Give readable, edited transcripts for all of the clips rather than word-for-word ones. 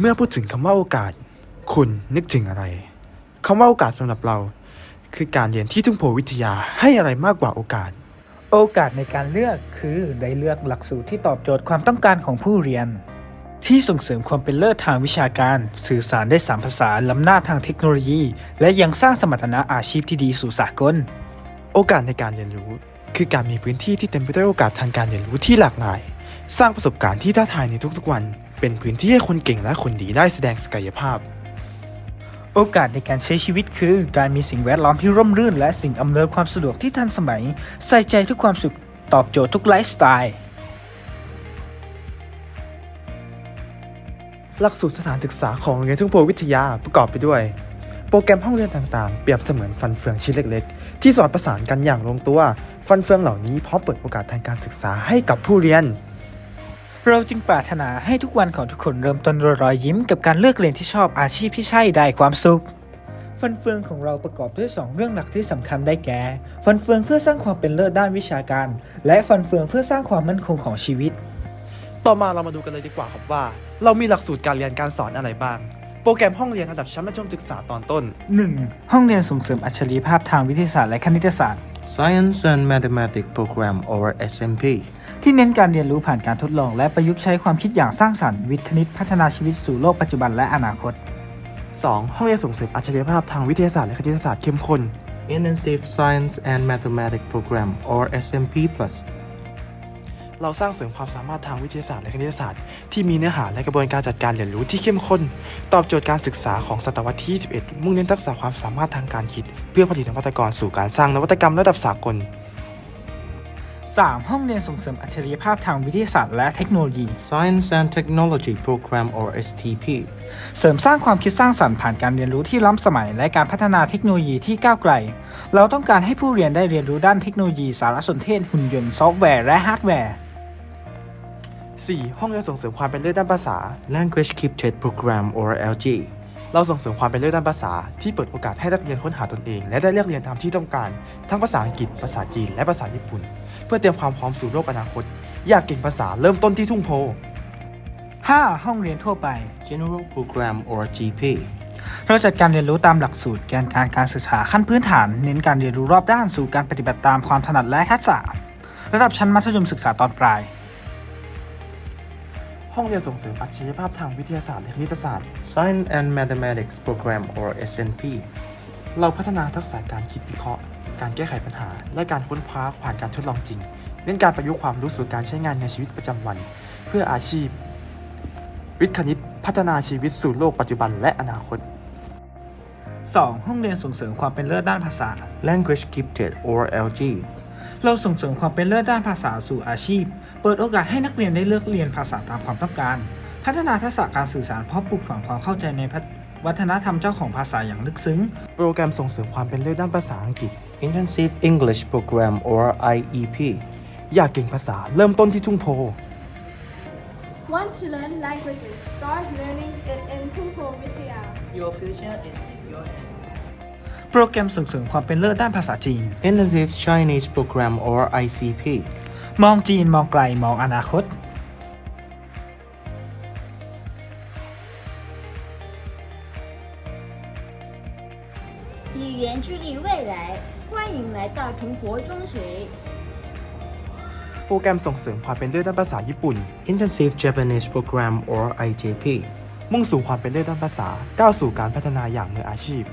มื่อพูดถึงคำว่าโอกาสคุณนึกถึงอะไรคำว่าโอกาสสำหรับเราคือการเรียนที่ทุ่งโพวิทยาให้อะไรมากกว่าโอกาสโอกาสในการเลือกคือได้เลือกหลักสูตรที่ตอบโจทย์ความต้องการของผู้เรียนที่ส่งเสริมความเป็นเลิศทางวิชาการสื่อสารได้3 ภาษาล้ำหน้าทางเทคโนโลยีและยังสร้างสมรรถนะอาชีพที่ดีสู่สากลโอกาสในการเรียนรู้คือการมีพื้นที่ที่เต็มไปด้วยโอกาสทางการเรียนรู้ที่หลากหลายสร้างประสบการณ์ที่ท้าทายในทุกๆวันเป็นพื้นที่ให้คนเก่งและคนดีได้แสดงศักยภาพโอกาสในการใช้ชีวิตคือการมีสิ่งแวดล้อมที่ร่มรื่นและสิ่งอำนวยความสะดวกที่ทันสมัยใส่ใจทุกความสุขตอบโจทย์ทุกไลฟ์สไตล์หลักสูตรสถานศึกษาของโรงเรียนทุ่งโพวิทยาประกอบไปด้วยโปรแกรมห้องเรียนต่างๆเปรียบเสมือนฟันเฟืองชิ้นเล็กๆที่สอดประสานกันอย่างลงตัวฟันเฟืองเหล่านี้พร้อมเปิดโอกาสทางการศึกษาให้กับผู้เรียนเราจึงปรารถนาให้ทุกวันของทุกคนเริ่มต้นด้วยรอยยิ้มกับการเลือกเรียนที่ชอบอาชีพที่ใช่ได้ความสุขฟันเฟืองของเราประกอบด้วย2 เรื่องหลักที่สำคัญได้แก่ฟันเฟืองเพื่อสร้างความเป็นเลิศด้านวิชาการและฟันเฟืองเพื่อสร้างความมั่นคงของชีวิตต่อมาเรามาดูกันเลยดีกว่าครับว่าเรามีหลักสูตรการเรียนการสอนอะไรบ้างโปรแกรมห้องเรียนระดับชั้นมัธยมศึกษาตอนต้น 1. ห้องเรียนส่งเสริมอัจฉริยภาพทางวิทยาศาสตร์และคณิตศาสตร์ Science and Mathematics Program or SMP ที่เน้นการเรียนรู้ผ่านการทดลองและประยุกต์ใช้ความคิดอย่างสร้างสรรค์วิทย์คณิตพัฒนาชีวิตสู่โลกปัจจุบันและอนาคต 2. ห้องเรียนส่งเสริมอัจฉริยภาพทางวิทยาศาสตร์และคณิตศาสตร์เข้มข้น Intensive Science and Mathematics Program or SMP Plus เราสร้างเสริมความสามารถทางวิทยาศาสตร์และคณิตศาสตร์ที่มีเนื้อหาและกระบวนการจัดการเรียนรู้ที่เข้มข้นตอบโจทย์การศึกษาของศตวรรษที่ 21 มุ่งเน้นทักษะความสามารถทางการคิดเพื่อผลิตนวัตกรสู่การสร้างนวัตกรรมระดับสากล 3. ห้องเรียนส่งเสริมอัจฉริยภาพทางวิทยาศาสตร์และเทคโนโลยี Science and Technology Program or STP เสริมสร้างความคิดสร้างสรรค์ผ่านการเรียนรู้ที่ล้ำสมัยและการพัฒนาเทคโนโลยีที่ก้าวไกลเราต้องการให้ผู้เรียนได้เรียนรู้ด้านเทคโนโลยีสารสนเทศหุ่นยนต์ซอฟต์แวร์และฮาร์ดแวร์ 4. ห้องเรียนส่งเสริมความเป็นเลิศด้านภาษา Language Gifted Program or LG เราส่งเสริมความเป็นเลิศด้านภาษาที่เปิดโอกาสให้นักเรียนค้นหาตนเองและได้เลือกเรียนตามที่ต้องการทั้งภาษาอังกฤษภาษาจีนและภาษาญี่ปุ่นเพื่อเตรียมความพร้อมสู่โลกอนาคตอยากเก่งภาษาเริ่มต้นที่ทุ่งโพ 5. ห้องเรียนทั่วไป General Program or GP เราจัดการเรียนรู้ตามหลักสูตรแกนการศึกษาขั้นพื้นฐานเน้นการเรียนรู้รอบด้านสู่การปฏิบัติตามความถนัดและทักษะระดับชั้นมัธยมศึกษาตอนปลายห้องเรียนส่งเสริมอัจฉริยภาพทางวิทยาศาสตร์และคณิตศาสตร์ Science and Mathematics Program or SNP เราพัฒนาทักษะการคิดวิเคราะห์การแก้ไขปัญหาและการค้นคว้าผ่านการทดลองจริงเน้นการประยุกต์ความรู้สู่การใช้งานในชีวิตประจำวันเพื่ออาชีพวิทย์คณิตพัฒนาชีวิตสู่โลกปัจจุบันและอนาคต 2. ห้องเรียนส่งเสริมความเป็นเลิศด้านภาษา Language Gifted or LG เราส่งเสริมความเป็นเลิศด้านภาษาสู่อาชีพเปิดโอกาสให้นักเรียนได้เลือกเรียนภาษาตามความต้องการพัฒนาทักษะการสื่อสารเพราะปลูกฝังความเข้าใจในวัฒนธรรมเจ้าของภาษาอย่างลึกซึ้งโปรแกรมส่งเสริมความเป็นเลิศด้านภาษาอังกฤษ Intensive English Program or IEP อยากเก่งภาษาเริ่มต้นที่ทุ่งโพ Want to learn languages? Start learning it in Tungpo Vidya. Your future is in your hands. โปรแกรมส่งเสริมความเป็นเลิศด้านภาษาจีน Intensive Chinese Program or ICP มองจีนมองไกลมองอนาคต以远距离未来，欢迎来到桐柏中学。 โปรแกรมส่งเสริมความเป็นเลิศด้านภาษาญี่ปุ่น Intensive Japanese Program or IJP มุ่งสู่ความเป็นเลิศด้านภาษาก้าวสู่การพัฒนาอย่างมืออาชีพ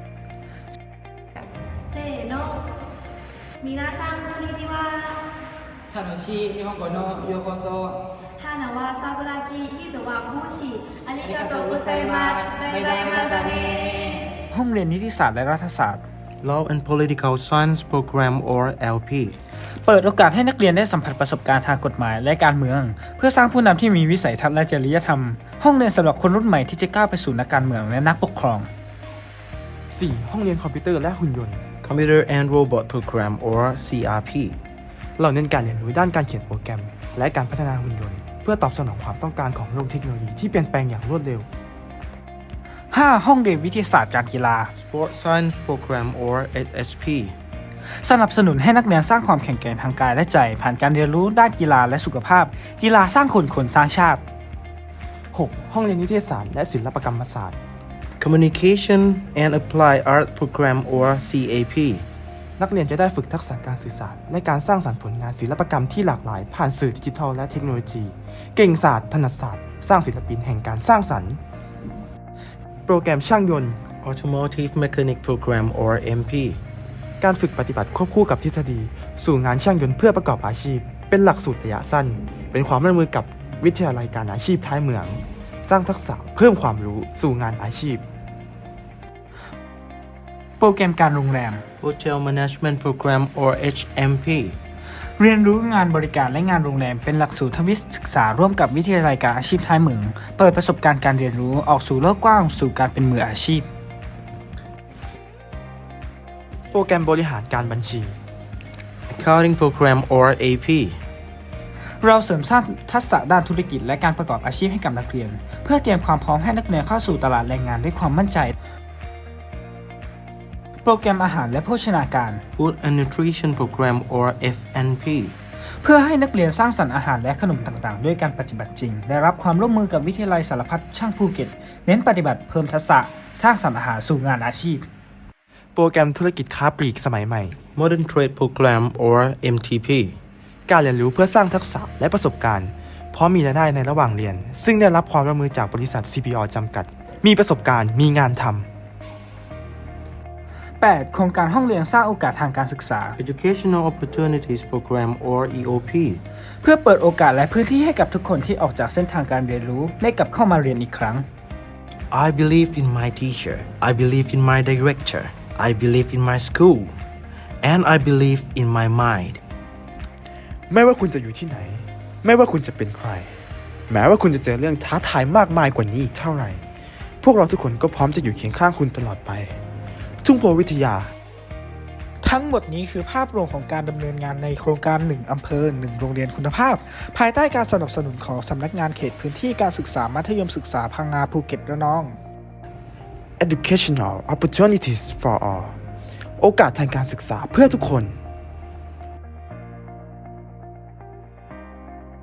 せーの。皆さんこんにちは。 楽しい日本語のようこそ。 花は桜木、糸は帽子。ありがとうございます。バイバイまたね。 ห้องเรียนนิติศาสตร์และรัฐศาสตร์ Law and Political Science Program or LP เปิดโอกาสให้นักเรียนได้สัมผัสประสบการณ์ทางกฎหมายและการเมืองเพื่อสร้างผู้นำที่มีวิสัยทัศน์และจริยธรรมห้องเรียนสำหรับคนรุ่นใหม่ที่จะก้าวไปสู่นักการเมืองและนักปกครอง 4. ห้องเรียนคอมพิวเตอร์และหุ่นยนต์ Computer and Robot Program or CRP เราเน้นการเรียนรู้ด้านการเขียนโปรแกรมและการพัฒนาหุ่นยนต์เพื่อตอบสนองความต้องการของโลกเทคโนโลยีที่เปลี่ยนแปลงอย่างรวดเร็ว 5. ห้องเรียนวิทยาศาสตร์การกีฬา Sport Science Program or SSP สนับสนุนให้นักเรียนสร้างความแข็งแกร่งทางกายและใจผ่านการเรียนรู้ด้านกีฬาและสุขภาพกีฬาสร้างคนคนสร้างชาติ 6. ห้องเรียนนิเทศศาสตร์และศิลปกรรมศาสตร์ Communication and Applied Art Program or CAP. นักเรียนจะได้ฝึกทักษะการสื่อสารและการสร้างสรรค์ผลงานศิลปกรรมที่หลากหลายผ่านสื่อดิจิทัลและเทคโนโลยี เก่งศาสตร์ถนัดศาสตร์ สร้างศิลปินแห่งการสร้างสรรค์ โปรแกรมช่างยนต์ Automotive Mechanic Program or MP. การฝึกปฏิบัติควบคู่กับทฤษฎี สู่งานช่างยนต์เพื่อประกอบอาชีพ เป็นหลักสูตรระยะสั้น เป็นความร่วมมือกับวิทยาลัยการอาชีพท้ายเมือง สร้างทักษะเพิ่มความรู้สู่งานอาชีพโปรแกรมการโรงแรม Hotel Management Program or HMP. เรียนรู้งานบริการและงานโรงแรมเป็นหลักสูตรทวิศึกษาร่วมกับวิทยาลัยการอาชีพท้ายเมือง เปิดประสบการณ์การเรียนรู้ออกสู่โลกกว้างสู่การเป็นมืออาชีพโปรแกรมบริหารการบัญชี Accounting Program or AP. เราเสริมสร้างทักษะด้านธุรกิจและการประกอบอาชีพให้กับนักเรียน เพื่อเตรียมความพร้อมให้นักเรียนเข้าสู่ตลาดแรงงานด้วยความมั่นใจ โปรแกรมอาหารและโภชนาการ Food and Nutrition Program or FNP. เพื่อให้นักเรียนสร้างสรรค์อาหารและขนมต่างๆ ด้วยการปฏิบัติจริง ได้รับความร่วมมือกับวิทยาลัยสารพัดช่างภูเก็ต เน้นปฏิบัติเพิ่มทักษะสร้างสรรค์อาหารสู่งานอาชีพโปรแกรมธุรกิจค้าปลีกสมัยใหม่ Modern Trade Program or MTP. การเรียนรู้เพื่อสร้างทักษะและประสบการณ์พร้อมมีรายได้ในระหว่างเรียน ซึ่งได้รับความร่วมมือจากบริษัท CPO จำกัด มีประสบการณ์มีงานทำ 8. โครงการห้องเรียนสร้างโอกาสทางการศึกษา Educational Opportunities Program or EOP. เพื่อเปิดโอกาสและพื้นที่ให้กับทุกคนที่ออกจากเส้นทางการเรียนรู้ได้กลับเข้ามาเรียนอีกครั้ง I believe in my teacher. I believe in my director. I believe in my school. And I believe in my mind. ไม่ว่าคุณจะอยู่ที่ไหน ไม่ว่าคุณจะเป็นใคร แม้ว่าคุณจะเจอเรื่องท้าทายมากมายกว่านี้อีกเท่าไหร่ พวกเราทุกคนก็พร้อมจะอยู่เคียงข้างคุณตลอดไป ทุ่งโพวิทยาทั้งหมดนี้คือภาพรวมของการดำเนินงานในโครงการ 1 อำเภอ 1 โรงเรียนคุณภาพ ภายใต้การสนับสนุนของสำนักงานเขตพื้นที่การศึกษามัธยมศึกษาพังงาภูเก็ตระนอง Educational Opportunities for all โอกาสทางการศึกษาเพื่อทุกคน